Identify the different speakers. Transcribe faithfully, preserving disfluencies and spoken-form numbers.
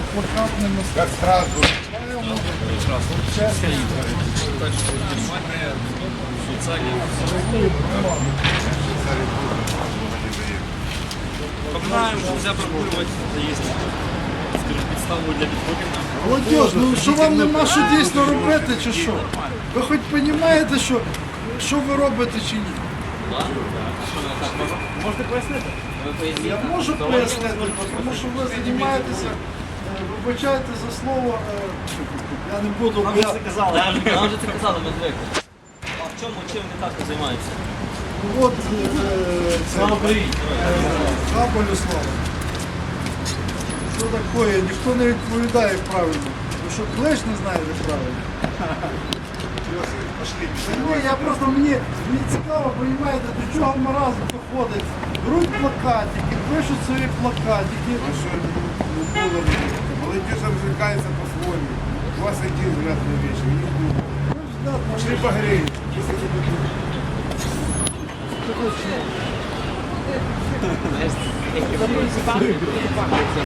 Speaker 1: плакатными
Speaker 2: Как Страсбург.
Speaker 3: Напоминаем, что нельзя прогуливать, это есть, скажем, підставою для підходів.
Speaker 1: Молодіж, ну що вам нема що дійсно робити, чи що? Ви хоч розумієте, що, що ви робите чи ні?
Speaker 3: Можете пояснити?
Speaker 1: Я можу пояснити, тому що ви займаєтеся, е, вибачайте за слово, е, я не буду.
Speaker 3: Нам
Speaker 1: я-
Speaker 3: вже це казали. Нам вже це казали, ми звикли. А в чому, чим вони так займаються?
Speaker 1: От е, це,
Speaker 3: Слава Україні!
Speaker 1: Кабелю слава. Що таке? Ніхто не відповідає правильно. Ви що, клеш не знаєте правильно? Та ні, я просто мені, мені цікаво, розумієте, до чого маразм доходить. Беруть плакатики, пишуть свої плакатики.
Speaker 2: Молодежь развлекается по-своему. У вас один взгляд на вещи, у них другой.
Speaker 1: Ну, взгляд,
Speaker 2: Пошли погреем.
Speaker 1: може,